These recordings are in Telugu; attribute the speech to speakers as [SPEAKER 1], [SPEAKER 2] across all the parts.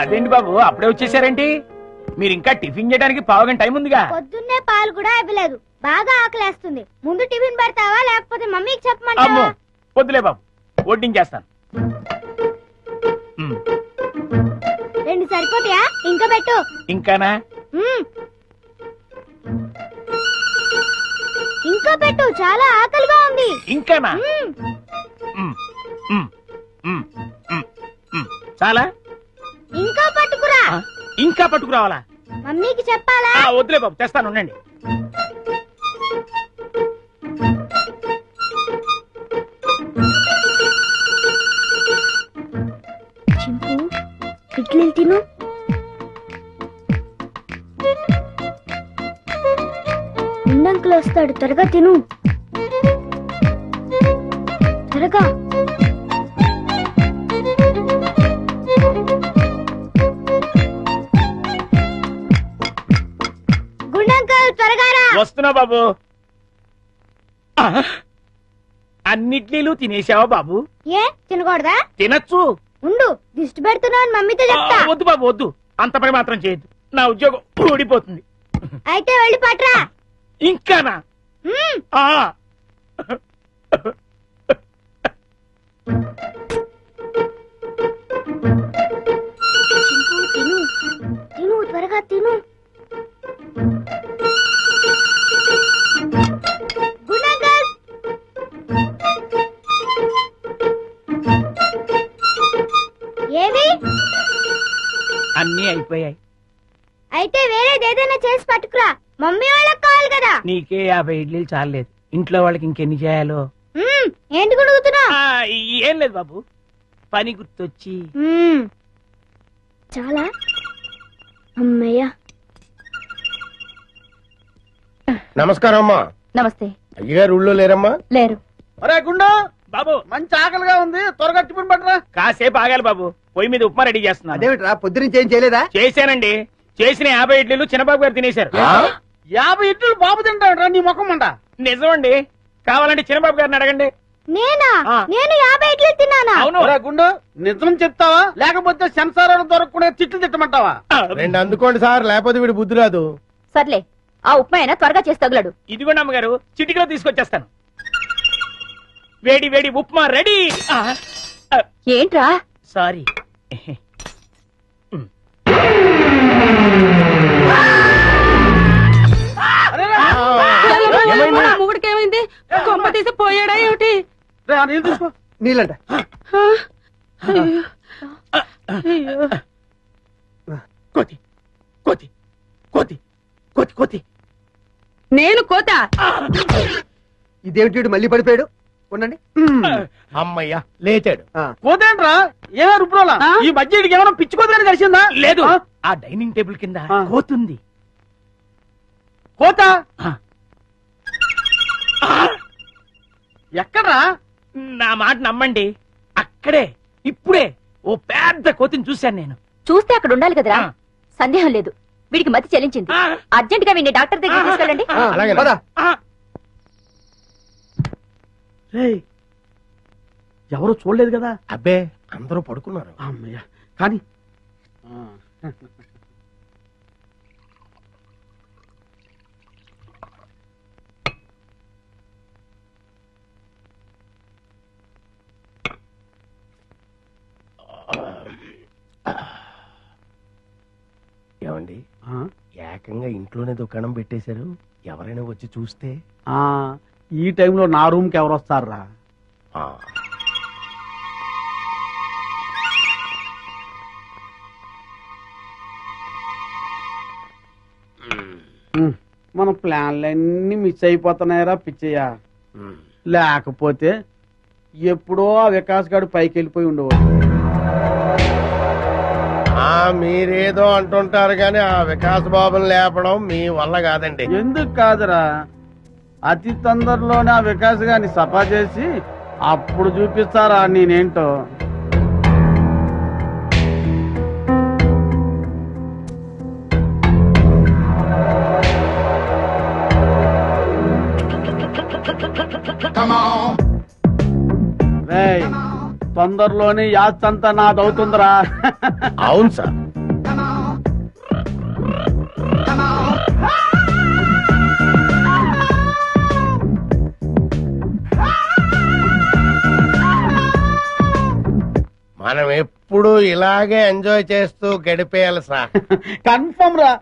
[SPEAKER 1] అదేంటి బాబు అప్పుడే వచ్చేసారేంటి? మీరు ఇంకా టిఫిన్ చేయడానికి పావుగంట టైం ఉందిగా.
[SPEAKER 2] పొద్దున్నే పాలు కూడా ఇవ్వలేదు. బాగా ఆకలేస్తుంది. ముందు టిఫిన్ పెడతావా లేకపోతే మమ్మీకి
[SPEAKER 1] అమ్మో
[SPEAKER 2] చెప్పమంటావా?
[SPEAKER 1] వద్దులే బాబు, వడ్డించేస్తాను.
[SPEAKER 2] రెండు సరిపోతాయా? ఇంకా పెట్టు.
[SPEAKER 1] ఇంకానా?
[SPEAKER 2] ఇంకా పెట్టు, చాలా ఆకలిగా ఉంది.
[SPEAKER 1] ఇంకానా? చాలా?
[SPEAKER 2] ఇంకా పట్టుకురా.
[SPEAKER 1] ఇంకా పట్టుకురావాలా?
[SPEAKER 2] మమ్మీకి చెప్పాలా?
[SPEAKER 1] వద్దులే బాబు, తెస్తాను ఉండండి.
[SPEAKER 2] చింపు, ఇడ్లీలు తిను. ఉండంకులు వస్తాడు, త్వరగా తిను. త్వరగా. గుండంకుల్ త్వరగా రా.
[SPEAKER 1] వస్తున్నా బాబు. అన్నిట్లీలు తినేసావా బాబు?
[SPEAKER 2] ఏ తినకూడదా?
[SPEAKER 1] తినచ్చు.
[SPEAKER 2] ఉండు, దిష్టి పెడుతున్నావు మమ్మీతో చెప్తా.
[SPEAKER 1] వద్దు బాబు వద్దు, అంత పని మాత్రం చేయొద్దు. నా ఉద్యోగం ఊడిపోతుంది.
[SPEAKER 2] అయితే వెళ్ళి పట్రా.
[SPEAKER 1] ఇంకానా?
[SPEAKER 2] తిను తిను, త్వరగా తిను. గుండంకుల్, ఏవి?
[SPEAKER 1] అన్నీ అయిపోయాయి.
[SPEAKER 2] అయితే వేరేది ఏదైనా చేసి పట్టుకురా. మమ్మీ వాళ్ళకి కావాలి కదా.
[SPEAKER 1] నీకే 50 ఇడ్లీలు చాలేదు, ఇంట్లో వాళ్ళకి ఇంకెన్ని చేయాలో.
[SPEAKER 2] ఏంటి గుడుగుతున్నా?
[SPEAKER 1] ఏం లేదు బాబు, పని గుర్తొచ్చి.
[SPEAKER 2] చాలా అమ్మయ్య.
[SPEAKER 3] నమస్కారం అమ్మా.
[SPEAKER 4] నమస్తే.
[SPEAKER 3] అయ్యగారు ఊళ్ళో లేరమ్మా?
[SPEAKER 4] లేరు.
[SPEAKER 5] అరే గుండు
[SPEAKER 1] బాబు,
[SPEAKER 5] మంచి ఆకలిగా ఉంది, త్వరగా టిఫిన్ పట్టరా.
[SPEAKER 1] కాసేపు ఆగాలి బాబు, పొయ్యి మీద ఉప్మా రెడీ చేస్తున్నా.
[SPEAKER 5] అదేమిట్రా పొద్దునుంచి ఏం చేయలేదా?
[SPEAKER 1] చేశానండి. చేసిన 50 ఇడ్లీలు చిన్నబాబు గారు తినేశారు.
[SPEAKER 5] 50 ఇడ్లీలు బాబు తింటాడురా నీ ముఖం అంట.
[SPEAKER 1] నిజమండి, కావాలంటే చిన్నబాబు గారిని అడగండి.
[SPEAKER 2] నేనా? నేను 50 ఇడ్లీలు తిన్నానా?
[SPEAKER 1] అవును.
[SPEAKER 5] ఒరే గుండు నిజం చెప్తావా లేకపోతే సెన్సార్ దొరకకుండా తిట్లు తిట్టమంటావా?
[SPEAKER 3] రెండు అందుకోండి సార్, లేకపోతే వీడి బుద్ధి రాదు.
[SPEAKER 4] సర్లే, ఆ ఉప్మా అయినా త్వరగా చేసి తగులడు.
[SPEAKER 1] ఇదిగోండి అమ్మగారు, చిటికలో తీసుకొచ్చేస్తాను. వేడి వేడి ఉప్మా రెడీ.
[SPEAKER 4] ఏంట్రా?
[SPEAKER 1] సారీ.
[SPEAKER 4] మొగుడికి ఏమైంది? కొమ్మ తీసి పోయాడా ఏమిటి?
[SPEAKER 5] నీళ్ళు తీసుకో. నీళ్ళంట.
[SPEAKER 1] కోతి కోతి కోతి కోతి కోతి.
[SPEAKER 4] నేను కోత?
[SPEAKER 5] ఇదేమిటి మళ్ళీ పడిపోయాడు? ఉండండి.
[SPEAKER 3] అమ్మయ్యా లేచాడు.
[SPEAKER 5] కోతేంట్రా? ఏమైనా రుబ్రోలా? ఈ మధ్య ఏమైనా పిచ్చి కోతని కలిసిందా?
[SPEAKER 1] లేదు, ఆ డైనింగ్ టేబుల్ కింద కోతుంది.
[SPEAKER 5] కోత ఎక్కడ్రా?
[SPEAKER 1] నా మాట నమ్మండి, అక్కడే ఇప్పుడే ఓ పెద్ద కోతిని చూశాను నేను.
[SPEAKER 4] చూస్తే అక్కడ ఉండాలి కదరా. సందేహం లేదు, వీడికి మతి చెల్లించింది. అర్జెంట్ గా వీడిని డాక్టర్ దగ్గర తీసుకెళ్ళండి.
[SPEAKER 3] అలాగే.
[SPEAKER 5] ఎవరు చూడలేదు కదా?
[SPEAKER 3] అబ్బే అందరూ పడుకున్నారు.
[SPEAKER 5] అమ్మయ్య, కానీ
[SPEAKER 3] ఏమండి, ఏకంగా ఇంట్లోనే దుకాణం పెట్టేశారు. ఎవరైనా వచ్చి చూస్తే?
[SPEAKER 5] ఈ టైంలో నా రూమ్ కి ఎవరు వస్తారా? మన ప్లాన్లన్నీ మిస్ అయిపోతున్నాయరా పిచ్చయ్యా. లేకపోతే ఎప్పుడో ఆ వికాస్ గారు పైకి వెళ్ళిపోయి ఉండేవాడు.
[SPEAKER 3] మీరేదో అంటుంటారు కానీ ఆ వికాస్ బాబుని లేపడం మీ వల్ల కాదండి.
[SPEAKER 5] ఎందుకు కాదురా, అతి తొందరలోనే ఆ వికాస్ గారిని సఫా చేసి అప్పుడు చూపిస్తారా నేనేంటో. తొందరలోనే యాత్రంతా నాదవుతుందిరా.
[SPEAKER 3] అవును సార్, మనం ఎప్పుడు ఇలాగే ఎంజాయ్ చేస్తూ గడిపేయాలి సార్.
[SPEAKER 5] కన్ఫర్మ్ రా.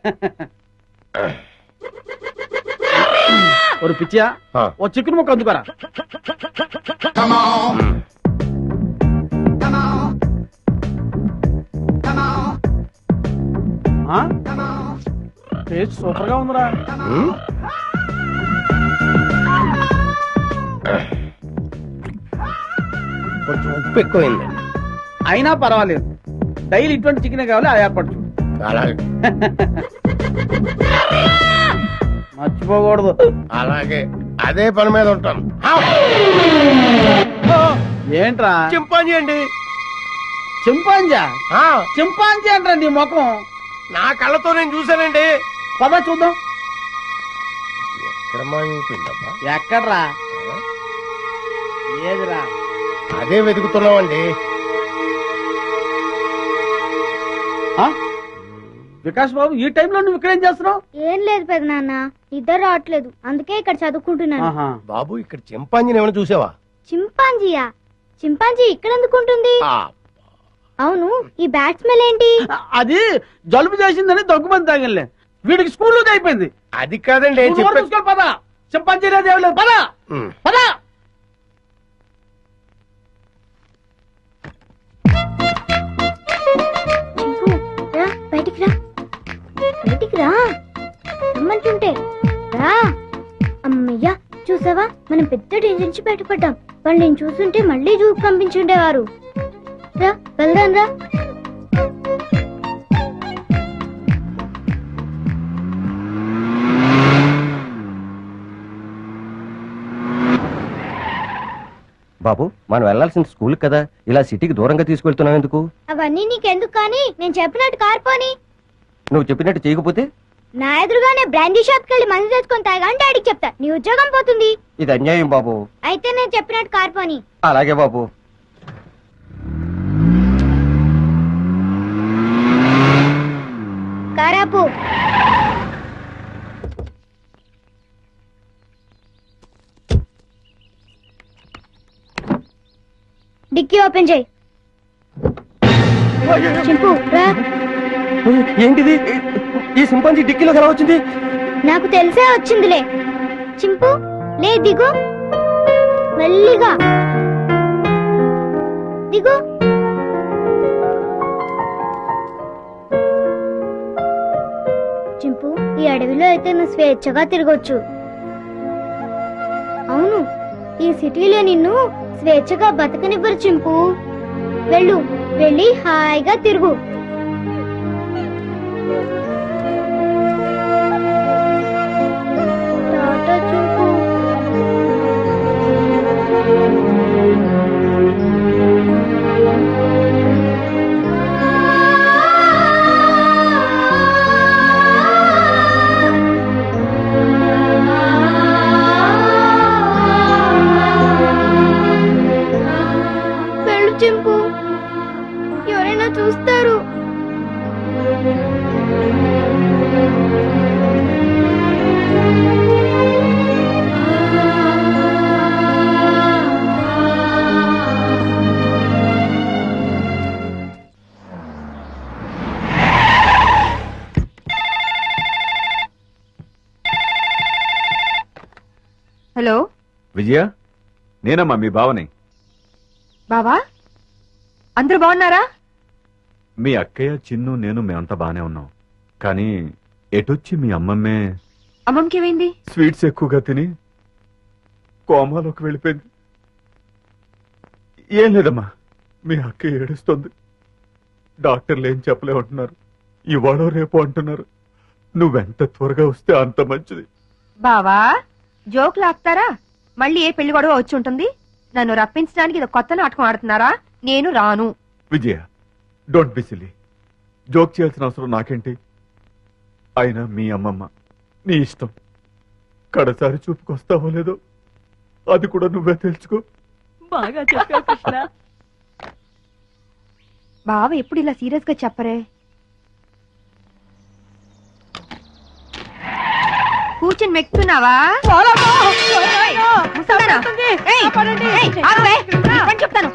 [SPEAKER 5] ఒక పిచ్చియా ఓ చికెన్ ముక్క అందుకోరా. టేస్ట్ సూపర్ గా ఉందిరా.
[SPEAKER 3] కొంచెం ఉప్పు ఎక్కువైంది.
[SPEAKER 5] అయినా పర్వాలేదు, డైలీ ఇటువంటి చికెన్ కావాలి, అది ఏర్పాటు చూడు.
[SPEAKER 3] అలాగే
[SPEAKER 5] మర్చిపోకూడదు.
[SPEAKER 3] అలాగే అదే పని మీద ఉంటాను.
[SPEAKER 5] ఏంట్రా?
[SPEAKER 3] చింపాంజీ అండి.
[SPEAKER 5] చింపాంజా? చింపాంజీ అంటారా నీ ముఖం?
[SPEAKER 3] నా కళ్ళతో నేను చూశానండి.
[SPEAKER 5] పద చూద్దాం.
[SPEAKER 3] ఎక్కడ మాయమైపోయిందబ్బా?
[SPEAKER 5] ఎక్కడ్రా? ఏదిరా?
[SPEAKER 3] అదే వెతుకుతున్నామండి.
[SPEAKER 5] వికాస్ బాబు, ఈ టైంలో నువ్వు ఇక్కడేం చేస్తున్నావు?
[SPEAKER 2] ఏం లేదు పెదనాన్న, నిద్ర రావట్లేదు, అందుకే ఇక్కడ చదువుకుంటున్నాను.
[SPEAKER 3] బాబు, ఇక్కడ చింపాంజీని ఏమైనా చూసావా?
[SPEAKER 2] చింపాంజీయా? చింపాంజీ ఇక్కడ ఎందుకుంటుంది? అవును, ఈ బ్యాట్ స్మెల్ ఏంటి?
[SPEAKER 5] అది జలుబు చేసిందని దగ్గుమంది తాగలే, వీడికి స్కూల్లో అయిపోయింది.
[SPEAKER 3] అది కాదండి.
[SPEAKER 5] పద, చింపాంజీ లేదు, పద పద.
[SPEAKER 2] బయటికి రా, బయటికి రా రమ్మంటుంటే రా. అమ్మయ్యా, చూసావా, మనం పెద్ద డేంజర్ నుంచి బయటపడ్డాం. వాళ్ళు నేను చూస్తుంటే మళ్ళీ జూకు పంపించుండేవారు. రా, వెళ్దాం రా.
[SPEAKER 6] బాబు, మనం వెళ్లాల్సిన స్కూల్ కదా, ఇలా సిటీకి దూరంగా తీసుకెళ్తున్నావు ఎందుకు?
[SPEAKER 2] అవన్నీ నీకెందుకు కానీ, నేను చెప్పినట్టు కార్పోని.
[SPEAKER 6] నువ్వు చెప్పినట్టు చేయకపోతే?
[SPEAKER 2] నా ఎదురుగానే బ్రాండీ షాప్కి వెళ్ళి మందు తెచ్చుకొని తాగంటే డాడీకి చెప్తా, నీ ఉద్యోగం పోతుంది.
[SPEAKER 6] ఇది అన్యాయం బాబు.
[SPEAKER 2] అయితే నేను చెప్పినట్టు కార్పోని.
[SPEAKER 6] అలాగే బాబు.
[SPEAKER 2] కారాపు. డిక్కీ ఓపెన్ చేయి. చింపు రా.
[SPEAKER 6] ఏంటిది? ఈ సింపాంజీ డిక్కీలో ఎలా వచ్చింది?
[SPEAKER 2] నాకు తెలిసే వచ్చిందిలే. చింపు లే, దిగు, మెల్లిగా దిగు. చింపు, ఈ అడవిలో అయితే నువ్వు స్వేచ్ఛగా తిరగొచ్చు. అవును, ఈ సిటీలో నిన్ను స్వేచ్ఛగా బతకనివ్వరు చింపు. వెళ్ళు, వెళ్ళి హాయిగా తిరుగు. టాటా చింపు. వెళ్ళు చింపు, ఎవరైనా చూస్తారు.
[SPEAKER 4] హలో
[SPEAKER 7] విజయ, నేనమ్మా మీ బావని.
[SPEAKER 4] బావా, అందరూ బాగున్నారా?
[SPEAKER 7] మీ అక్కయ్య, చిన్ను, నేను మేమంతా బానే ఉన్నాం. కానీ ఎటొచ్చి మీ అమ్మమ్మే
[SPEAKER 4] అమ్మమ్మకి ఏమైంది?
[SPEAKER 7] స్వీట్స్ ఎక్కువగా తిని కోమాలోకి వెళ్ళిపోయింది. ఏం లేదమ్మా, మీ అక్కయ్య ఏడుస్తుంది. డాక్టర్లు ఏం చెప్పలే అంటున్నారు, ఇవాళ రేపు అంటున్నారు. నువ్వెంత త్వరగా వస్తే అంత మంచిది.
[SPEAKER 4] బావా, జోక్ లాక్తారా? మళ్ళీ ఏ పెళ్లి గొడవ వచ్చి ఉంటుంది. నన్ను రప్పించడానికి ఇది కొత్త నాటకం ఆడుతున్నారా? నేను రాను.
[SPEAKER 7] Vijaya, don't be silly. Joke చేయాల్సిన అవసరం నాకేంటి? అయినా మీ అమ్మమ్మ, నీ ఇష్టం. కడసారి చూపుకొస్తావో లేదో అది కూడా నువ్వే తెలుసుకో.
[SPEAKER 4] బాగా చెప్పావు కృష్ణ. బావ ఎప్పుడు ఇలా సీరియస్ గా చెప్పరే. కూర్చొని మెక్కుతున్నావా? చెప్తాను.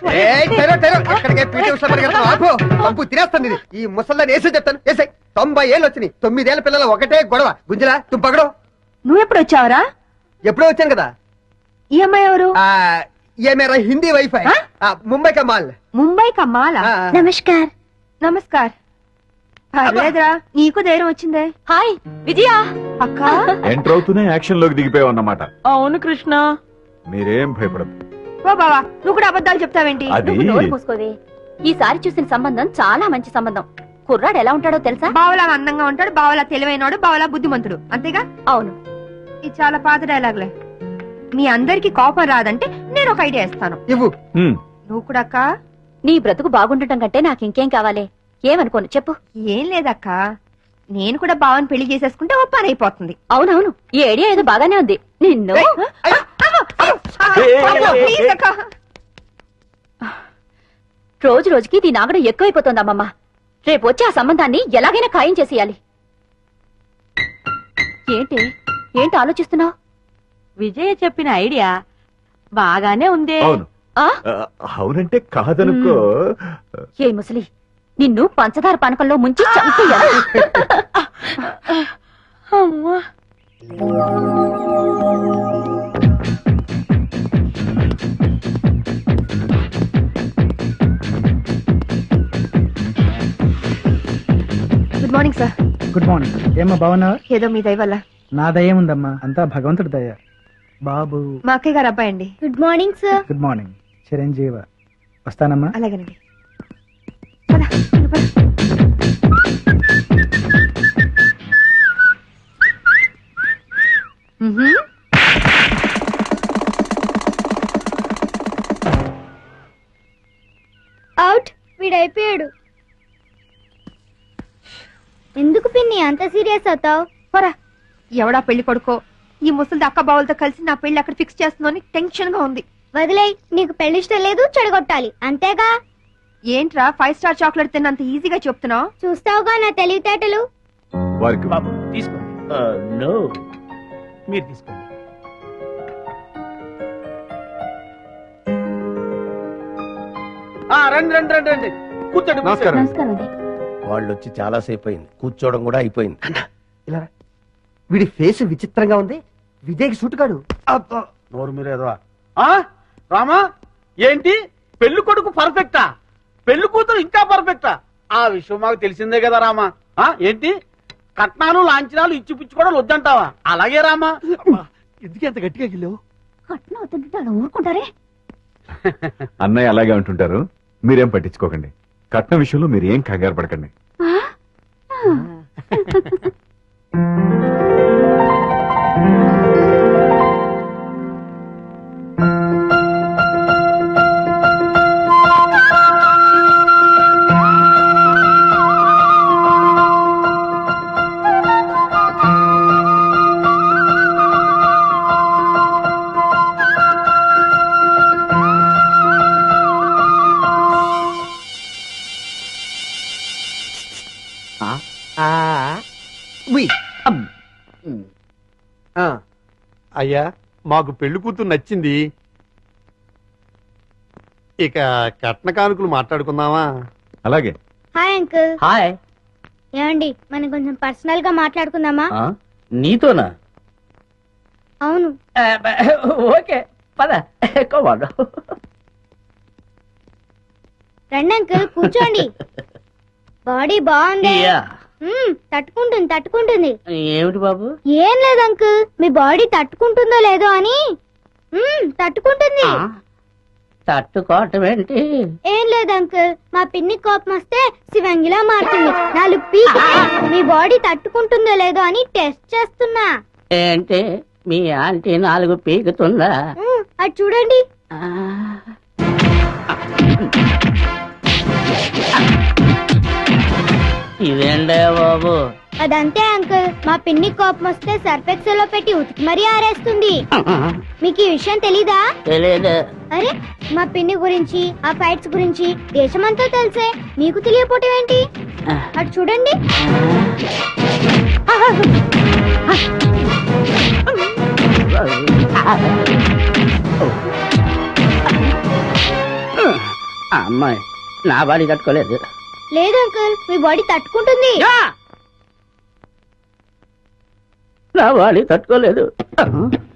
[SPEAKER 8] తినేస్తాను ఇది. ఈ ముసల్దాన్ని వేసే చెప్తాను. వేసాయి 90 ఏళ్ళు వచ్చినాయి. 9 ఏళ్ల పిల్లలు ఒకటే గొడవ. గుంజలా తుంపగడం.
[SPEAKER 4] నువ్వెప్పుడు వచ్చావరా?
[SPEAKER 8] ఎప్పుడో వచ్చాను కదా.
[SPEAKER 4] ఈ అమ్మాయి ఎవరు?
[SPEAKER 8] ये मेरा हिंदी वाईफाई मुंबई का माल.
[SPEAKER 4] ముంబై కమ్మాలా?
[SPEAKER 2] నమస్కార్.
[SPEAKER 4] నమస్కార్. పర్లేదురా, నీకు ధైర్యం వచ్చిందే.
[SPEAKER 9] హాయ్ విజయ.
[SPEAKER 4] అక్క
[SPEAKER 7] ఎంటర్ అవుతూనే యాక్షన్ లోకి దిగిపోయావు అన్నమాట.
[SPEAKER 1] అవును కృష్ణ.
[SPEAKER 7] మీరేం భయపడదు.
[SPEAKER 4] ఓ బావా, నువ్వు కూడా అబద్ధాలు చెప్తావేంటి?
[SPEAKER 7] అది
[SPEAKER 9] నువ్వు నోరు మూసుకోవే. ఈసారి చూసిన సంబంధం చాలా మంచి సంబంధం. కుర్రాడు ఎలా ఉంటాడో తెలుసా?
[SPEAKER 4] బావలా అందంగా ఉంటాడు, బావలా తెలివైనడు, బావలా బుద్ధిమంతుడు. అంతేగా?
[SPEAKER 9] అవును.
[SPEAKER 4] ఇది చాలా పాత డైలాగ్లే. మీ అందరికి కోపం రాదంటే నేను ఒక ఐడియా ఇస్తాను.
[SPEAKER 8] ఇవ్వు.
[SPEAKER 4] నువ్వు కూడా అక్క.
[SPEAKER 9] నీ బ్రతుకు బాగుండటం కంటే నాకు ఇంకేం కావాలి? ఏమనుకోను చెప్పు.
[SPEAKER 4] ఏం లేదక్క, నేను కూడా బావని పెళ్లి చేసేసుకుంటే ఓ పని అయిపోతుంది.
[SPEAKER 9] అవునవును, ఈ ఐడియా ఏదో బాగానే ఉంది. నిన్ను
[SPEAKER 4] ప్లీజ్ అక్క.
[SPEAKER 9] రోజు రోజుకి దీని ఆగడం ఎక్కువైపోతుంది అమ్మమ్మ. రేపు వచ్చి ఆ సంబంధాన్ని ఎలాగైనా ఖాయం చేసేయాలి. ఏంటి ఏంటి ఆలోచిస్తున్నావు?
[SPEAKER 10] విజయ చెప్పిన ఐడియా బాగానే ఉందే.
[SPEAKER 7] అవును. అవునంటే కాదనుకో.
[SPEAKER 9] ఏ ముసలి, నిన్ను పంచదార పానకంలో ముంచి చంపేయాలి.
[SPEAKER 10] అమ్మా.
[SPEAKER 4] Good morning sir.
[SPEAKER 11] Good morning. ఏమ్మా బాగున్నావా?
[SPEAKER 4] ఏదో మీ దయ వల్ల.
[SPEAKER 11] నా దయ ఉందమ్మా, అంతా భగవంతుడి దయ. బాబు
[SPEAKER 4] మా అక్కయ్య గారు అబ్బాయి అండి.
[SPEAKER 2] Good morning sir.
[SPEAKER 11] Good morning. చిరంజీవ. వస్తానమ్మా.
[SPEAKER 4] అలాగేనండి.
[SPEAKER 2] అవుట్. వీడైపోయాడు. ఎందుకు పిన్ని అంత సీరియస్ అవుతావు?
[SPEAKER 4] పోరా. ఎవడా పెళ్లి కొడుకో ఈ ముసలిది అక్క బావులతో కలిసి నా పెళ్లి అక్కడ ఫిక్స్ చేస్తుందని టెన్షన్ గా ఉంది.
[SPEAKER 2] వదిలేయ్, నీకు పెళ్లి ఇష్టం లేదు, చెడగొట్టాలి అంతేగా.
[SPEAKER 4] ఏంట్రా 5 స్టార్ చాక్లెట్ తిన్నంత ఈజీగా చెప్తున్నావు?
[SPEAKER 2] చూస్తావుగా నా తెలివితేటలు.
[SPEAKER 7] వారికి
[SPEAKER 1] బాబు తీసుకోండి. నో, మీరు తీసుకోండి.
[SPEAKER 5] రండి రండి రండి రండి, కూర్చోండి.
[SPEAKER 7] నమస్కారం.
[SPEAKER 9] నమస్కారం అండి.
[SPEAKER 3] వాళ్ళు వచ్చి చాలా సేపు అయింది, కూర్చోవడం కూడా అయిపోయింది.
[SPEAKER 8] ఇలా రా. వీడి ఫేస్ విచిత్రంగా ఉంది. విజయ్కి సూట్ కాడు.
[SPEAKER 5] నోరు మీరేదో. రామా, ఏంటి పెళ్లి కొడుకు పర్ఫెక్టా, పెళ్లి కూతురు ఇంకా పర్ఫెక్టా? ఆ విషయం మాకు తెలిసిందే కదా రామా. ఏంటి కట్నాలు లాంఛనాలు ఇచ్చి పుచ్చుకోవడం వద్దంటావా? అలాగే రామా. ఎందుకు ఎంత గట్టిగా గిల్లావు?
[SPEAKER 9] కట్నం అవుతుంటే అలా ఊరుకుంటారే.
[SPEAKER 7] అన్నయ్య అలాగే అంటుంటారు, మీరేం పట్టించుకోకండి. కట్నం విషయంలో మీరు ఏం కంగారు పడకండి.
[SPEAKER 12] అయ్యా, మాకు పెళ్లి కూతురు నచ్చింది. ఇక కట్న కానుకలు మాట్లాడుకుందామా?
[SPEAKER 7] అలాగే.
[SPEAKER 2] Hi uncle.
[SPEAKER 1] హాయ్.
[SPEAKER 2] ఏమండి, మనం కొంచెం పర్సనల్ గా మాట్లాడుకుందామా?
[SPEAKER 1] నీతోనా?
[SPEAKER 2] అవును.
[SPEAKER 1] ఓకే పద.
[SPEAKER 2] రండి అంకుల్, కూర్చోండి. బాడీ బాగుంది. తట్టుకుంటుంది తట్టుకుంటుంది.
[SPEAKER 1] ఏమిటి బాబు?
[SPEAKER 2] ఏం లేదు అంకుల్, మీ బాడీ తట్టుకుంటుందో లేదో అని. తట్టుకుంటుంది.
[SPEAKER 1] తట్టుకోవటం ఏంటి?
[SPEAKER 2] ఏం లేదు అంకుల్, మా పిన్ని కోపం వస్తే శివంగిలా మారుతుంది. 4 పీకి మీ బాడీ తట్టుకుంటుందో లేదో అని టెస్ట్ చేస్తున్నా.
[SPEAKER 1] ఏంటి మీ ఆంటీ 4 పీకుతుందా?
[SPEAKER 2] అది చూడండి.
[SPEAKER 1] ఇదేంటే బాబు?
[SPEAKER 2] అదంతే అంకుల్, మా పిన్ని కోపం వస్తే సర్ఫెక్సల్ లో పెట్టి ఉతికి మరీ ఆరేస్తుంది. మీకు ఈ విషయం తెలీదా?
[SPEAKER 1] తెలీదు.
[SPEAKER 2] అరే, మా పిన్ని గురించి ఆ ఫైట్స్ గురించి దేశమంతా తెలిసే మీకు తెలియపోవటం ఏంటి? అటు చూడండి.
[SPEAKER 13] అమ్మాయి నా బాడీ తట్టుకోలేదు.
[SPEAKER 2] లేదు అంకుల్, మీ బాడీ తట్టుకుంటుంది.
[SPEAKER 13] నా బాడీ తట్టుకోలేదు.